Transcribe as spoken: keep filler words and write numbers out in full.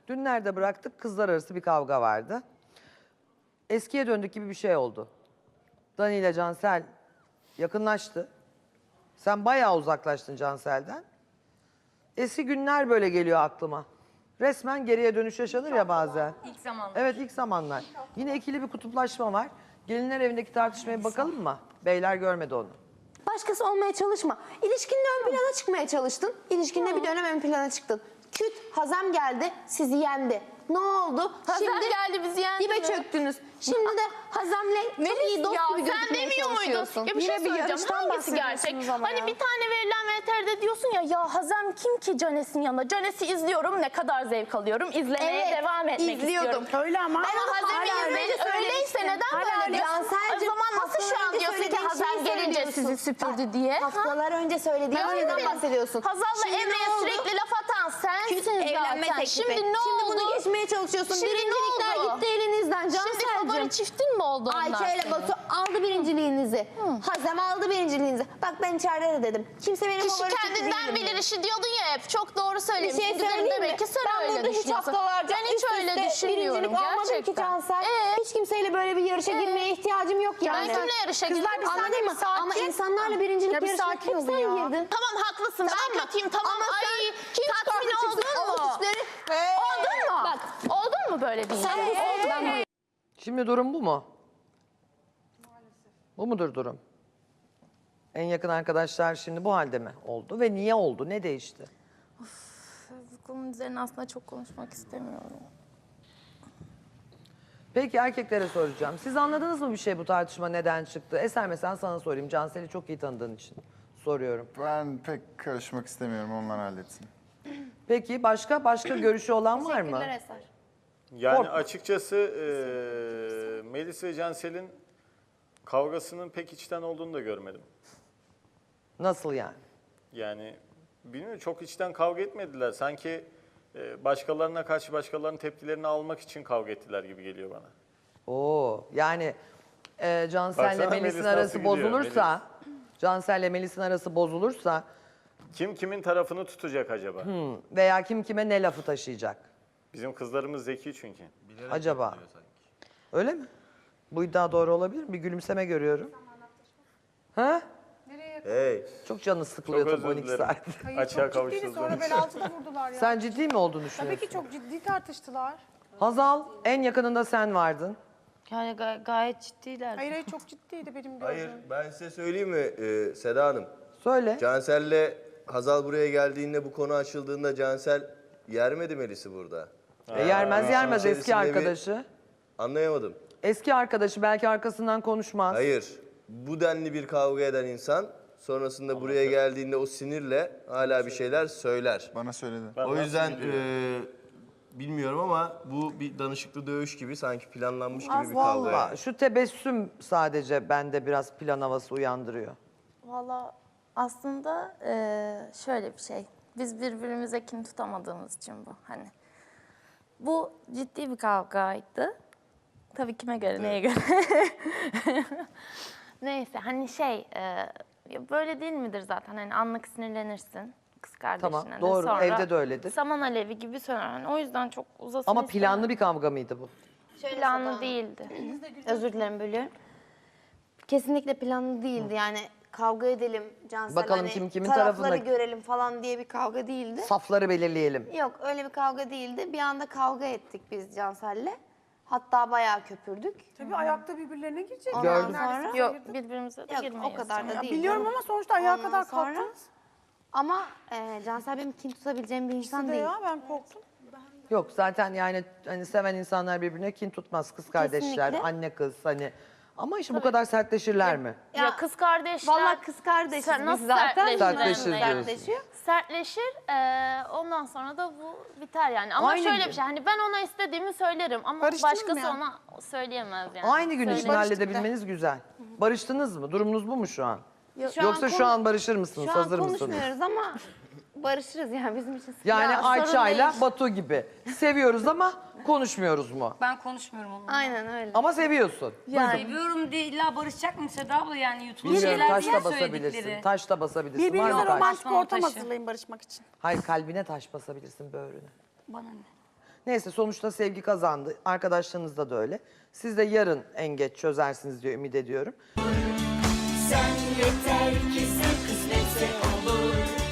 Dün nerede bıraktık? Kızlar arası bir kavga vardı. Eskiye döndük gibi bir şey oldu. Dani ile Cansel yakınlaştı. Sen bayağı uzaklaştın Cansel'den. Eski günler böyle geliyor aklıma. Resmen geriye dönüş yaşanır ya bazen. İlk zamanlar. Evet, ilk zamanlar. Yine ikili bir kutuplaşma var. Gelinler evindeki tartışmaya bakalım mı? Beyler görmedi onu. Başkası olmaya çalışma. İlişkinde ön plana çıkmaya çalıştın. İlişkinde bir dönem ön plana çıktın. Küt, Hazem geldi, sizi yendi. Ne oldu? Hazem geldi, bizi yendi dibe mi? çöktünüz. Şimdi de Hazem'le çok iyi dost ya, gibi sen gözükmeye demiyor muydun? çalışıyorsun. Ya bir şey Yine bir söyleyeceğim. yarıştan Hangisi gerçek? bahsediyorsunuz ama Hani ya. bir tane verilen V T R'de diyorsun ya, ya Hazem kim ki Canes'in yanında? Canes'i izliyorum, ne kadar zevk alıyorum. İzlemeye Evet, devam etmek izliyordum. istiyorum. Öyle ama. Ama Hazem'i hala öyle izleyince öyleyse söylemiştin. neden Hala böyle öyle. diyorsun? O Cansel'cim, zaman nasıl şu an haftalar önce diyorsun ki söylediğin Hazem şeyi gelince söylüyorsun. sizi süpürdü diye? Haftalar önce söylediğin Ben şeyden öyle bahsediyorsun. Hazal'la Şimdi ne Emre'ye oldu? sürekli laf atan sensin Evlenme zaten. teklifi. Şimdi ne Şimdi oldu? bunu geçmeye çalışıyorsun. Şimdi ne Birincilikler oldu? gitti elinizden Şimdi Cansel'cim. favori çiftin mi oldu onlar? Ayça ile senin? Batu aldı birinciliğinizi. Hazem aldı birinciliğinizi. Bak ben içeride de dedim. Kimse benim Kişi favori çifti kendinden değilim bilir dedi. işi diyordun ya hep. Çok doğru Bir söylemişsin. şey Güzelim, söyleyeyim mi? demek ki sen Ben öyle burada hiç düşünüyorsun. haftalarca Ben hiç üst öyle üste düşünmüyorum birincilik almadım ki gerçekten. Cansel. Ee? Hiç kimseyle böyle bir yarışa girmeye ihtiyacım yok Ben yani. kimle yarışa girdim? Kızlar bir Anladın saniye, mı? bir sakin. Ama insanlarla birincilik Ya bir yarışına sakin hep olun sen ya. girdin. Tamam haklısın. Tamam ben mı? kötüyüm. Tamam. Ama sen Ay kim tatmin çıkarsa oldun çıksın, mu? avuç işleri- Oldun mu? Bak oldun mu böyle bir Sen şey? busun, ben buyum. Şimdi durum bu mu? Bu mudur durum? En yakın arkadaşlar şimdi bu halde mi oldu ve niye oldu? Ne değişti? Bu konunun üzerine aslında çok konuşmak istemiyorum. Peki erkeklere soracağım. Siz anladınız mı bir şey bu tartışma neden çıktı? Eser mesela sana sorayım. Cansel'i çok iyi tanıdığın için soruyorum. Ben pek karışmak istemiyorum, onlar halletsin. Peki başka başka görüşü olan var mı? Teşekkürler Eser. Yani Kork- açıkçası eee Melis ve Cansel'in kavgasının pek içten olduğunu da görmedim. Nasıl yani? Yani bilmiyorum, çok içten kavga etmediler. Sanki eee, başkalarına karşı başkalarının tepkilerini almak için kavga ettiler gibi geliyor bana. Oo, yani e, Cansel'le Baksana Melis'in Melis nasıl arası gidiyor, bozulursa, Cansel'le Melis'in arası bozulursa Kim kimin tarafını tutacak acaba? veya kim kime ne lafı taşıyacak Bizim kızlarımız zeki çünkü. acaba? Öyle mi? Bu iddia doğru olabilir mi? Bir gülümseme görüyorum. Ha? Hey, Çok canı sıkılıyor Çok tabii on özür iki dilerim. saat. Hayır, Açığa çok ciddiydi. kavuştunuz Sonra onun bel için. altıda vurdular ya. Sen ciddi mi olduğunu Tabii düşünüyorsun? ki çok ciddi tartıştılar. Hazal, en yakınında sen vardın. Yani gay- gayet ciddiler. Hayır hayır çok ciddiydi benim gördüğüm. hayır ben size söyleyeyim mi ee, Seda Hanım? Söyle. Cansel'le Hazal buraya geldiğinde, bu konu açıldığında Cansel yermedi Melis'i burada. E, yermez yermez eski İçerisinde bir- arkadaşı. Anlayamadım. Eski arkadaşı belki arkasından konuşmaz. Hayır, bu denli bir kavga eden insan sonrasında buraya geldiğinde o sinirle hala bir şeyler söyler. Bana söyledi. Ben O nasıl yüzden biliyorum? ee, bilmiyorum ama bu bir danışıklı dövüş gibi, sanki planlanmış gibi bir kavga. Valla yani. şu tebessüm sadece bende biraz plan havası uyandırıyor. Valla aslında eee, şöyle bir şey. Biz birbirimize kin tutamadığımız için bu. Hani bu ciddi bir kavgaydı. Tabii kime göre, neye göre? Neyse hani şey, eee, ya böyle değil midir zaten? Hani anlık sinirlenirsin kız kardeşine Tamam, de. doğru. Sonra Evde de öyledir. Saman alevi gibi söner. Yani o yüzden çok uzasın Ama planlı bir kavga mıydı bu? planlı değildi. Özür dilerim bölüyorum. Kesinlikle planlı değildi yani kavga edelim Cansel Bakalım hani kim kimin tarafları tarafında- görelim falan diye bir kavga değildi. Safları belirleyelim. Yok öyle bir kavga değildi. Bir anda kavga ettik biz Cansel'le. Hatta bayağı köpürdük. Tabii ayakta birbirlerine girecek. Ondan Gördüm. sonra Yok birbirimize de yok girmeyiz. o kadar da Ya değil. biliyorum canım. ama sonuçta ayağa Ondan kadar sonra- kalktınız. Ama e, Cansel benim kin tutabileceğim bir insan İkisi de değil. ya ben korktum. Yok zaten yani hani seven insanlar birbirine kin tutmaz. Kız kardeşler, Kesinlikle. anne kız hani. Ama işte bu kadar sertleşirler mi? Ya, Ya, kız kardeşler... Vallahi kız kardeşiz Sen biz nasıl zaten. sertleşirler? Sertleşir diyorsun. Sertleşiyor. Sertleşir, eee, ondan sonra da bu biter yani. Ama Aynı şöyle gün. bir şey, hani ben ona istediğimi söylerim ama Barıştınız mı başkası yani? ona söyleyemez yani. Aynı gün içinde Söyle- halledebilmeniz güzel. Barıştınız mı? Durumunuz bu mu şu an? Şu Yoksa an şu konu- an barışır mısınız? Şu an Hazır mısınız? konuşmuyoruz ama barışırız yani bizim için. sıkıntı Yani yok. sorun Ayça'yla değil. Batu gibi. Seviyoruz ama konuşmuyoruz mu? Ben konuşmuyorum onunla. Aynen öyle. Ama seviyorsun. Seviyorum diye illa barışacak mı Seda abla, yani YouTube'da Bilmiyorum, şeyler taş değil da basabilirsin. söyledikleri. Taş da basabilirsin. Var Birbirinize mı taş? romantik Basmama ortam taşı. hazırlayın barışmak için. Hayır, kalbine taş basabilirsin, böğrüne. Bana ne? Neyse sonuçta sevgi kazandı. Arkadaşlarınızda da öyle. Siz de yarın en geç çözersiniz diye ümit ediyorum. Sen yeter ki sen kısmetse olur.